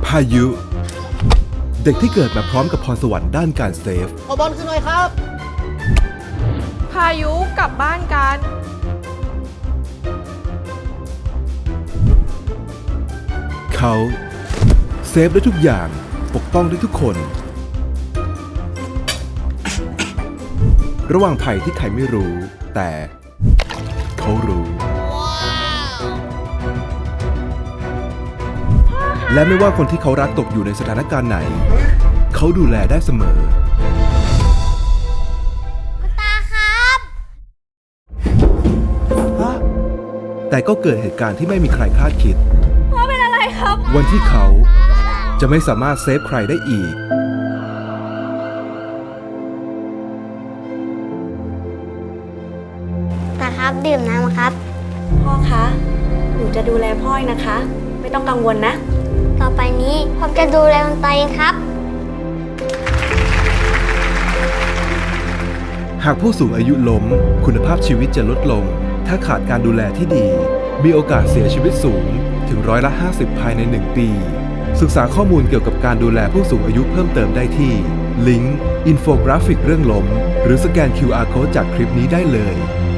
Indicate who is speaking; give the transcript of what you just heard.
Speaker 1: พายุ เด็กที่เกิดมาพร้อมกับพรสวรรค์ด้านการเซฟ
Speaker 2: ขอบอลขึ้นหน่อยครับ
Speaker 3: พายุกลับบ้านกัน
Speaker 1: เขาเซฟได้ทุกอย่างปกป้องได้ทุกคน ระหว่างภัยที่ใครไม่รู้ แต่เขารู้ และไม่ว่าคนที่เขารักตกอยู่ในสถานการณ์ไหน เขาดูแลได้เสมอ
Speaker 4: คุณตาครับ
Speaker 1: แต่ก็เกิดเหตุการณ์ที่ไม่มีใครคาดคิด
Speaker 3: พ่อเป็นอะไรครับ
Speaker 1: วันที่เขาจะไม่สามารถเซฟใครได้อีก
Speaker 4: ตาครับดื่มน้ำครับ
Speaker 5: พ่อคะ หนูจะดูแลพ่อเองนะคะ ไม่ต้องกังวลนะ
Speaker 4: ต่อไปนี้ผมจะดูแลคุณตาเองครับ
Speaker 1: หากผู้สูงอายุล้มคุณภาพชีวิตจะลดลง ถ้าขาดการดูแลที่ดี มีโอกาสเสียชีวิตสูงถึง50%ภายใน 1 ปี ศึกษาข้อมูลเกี่ยวกับการดูแลผู้สูงอายุเพิ่มเติมได้ที่ ลิงก์ อินโฟกราฟิกเรื่องล้ม หรือสแกน QR Code จากคลิปนี้ได้เลย